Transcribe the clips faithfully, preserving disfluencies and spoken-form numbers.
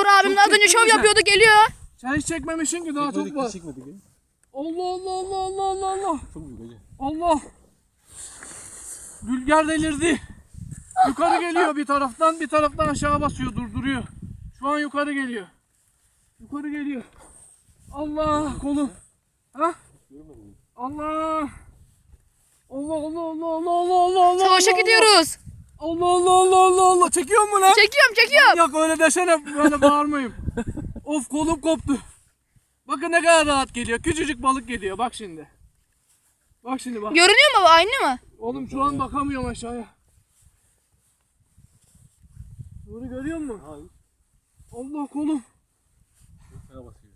Uğur abim az önce şov yapıyordu, geliyor. Sen hiç çekmemişsin ki daha çok var. Çekmedik ya. Allah Allah Allah Allah Allah Allah. Çok büyük hacı. Allah. Rüzgar delirdi. Yukarı geliyor bir taraftan, bir taraftan aşağı basıyor, durduruyor. Şu an yukarı geliyor. Yukarı geliyor. Allah kolum. Ha? Allah. Allah Allah Allah Allah Allah Allah Allah. Savaşa gidiyoruz. Allah Allah Allah Allah Allah. Çekiyor mu lan? Çekiyorum çekiyorum. Yok öyle desene, böyle bağırmayayım. Of, kolum koptu. Bakın ne kadar rahat geliyor. Küçücük balık geliyor. Bak şimdi. Bak şimdi bak. Görünüyor mu? Aynı mı? Oğlum şu an bakamıyorum aşağıya. Nuri görüyor musun? Hayır. Allah kolum. Çok fena basıyor.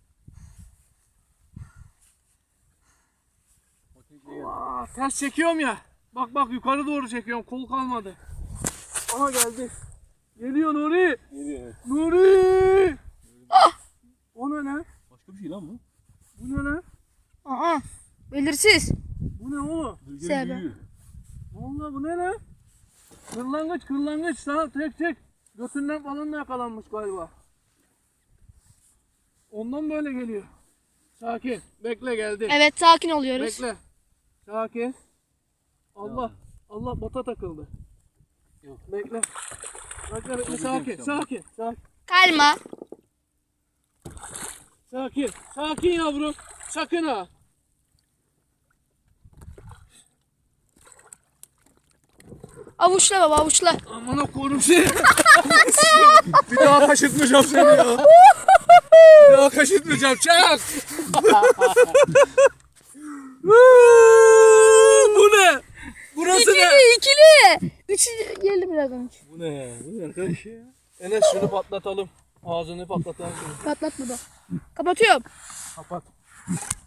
Aa, ters çekiyorum ya. Bak bak yukarı doğru çekiyorum. Kol kalmadı. Aha geldi. Geliyor Nuri. Geliyor evet. Nuri. Ah! O ne lan? Başka bir şey lan bu. Bu ne lan? Aha. Belirsiz. Bu ne oğlum? Rüzgarın Sebe. büyüğü. Vallahi bu ne lan? Kırlangıç kırlangıç. Sana tek tek. Götünden falan da yakalanmış galiba. Ondan böyle geliyor. Sakin. Bekle geldi. Evet, sakin oluyoruz. Bekle. Sakin. Allah. Allah bota takıldı. Yok. Bekle. Bekle bekle. Çok Sakin. güzel. Sakin. Sakin. Kalma. Sakin. Sakin yavrum. Sakın ha. Avuçla baba, avuçla. Aman korum seni. Bir daha kaşıtmayacağım seni ya. Bir daha kaşıtmayacağım. Çak. Bu ne? Burası ne? İkili, ikili. Üçü geldi birazdan. Bu ne? Bu ne arkadaş ya? Enes şunu patlatalım. Ağzını patlatalım şunu. Patlatma da. Kapatıyorum. Kapat.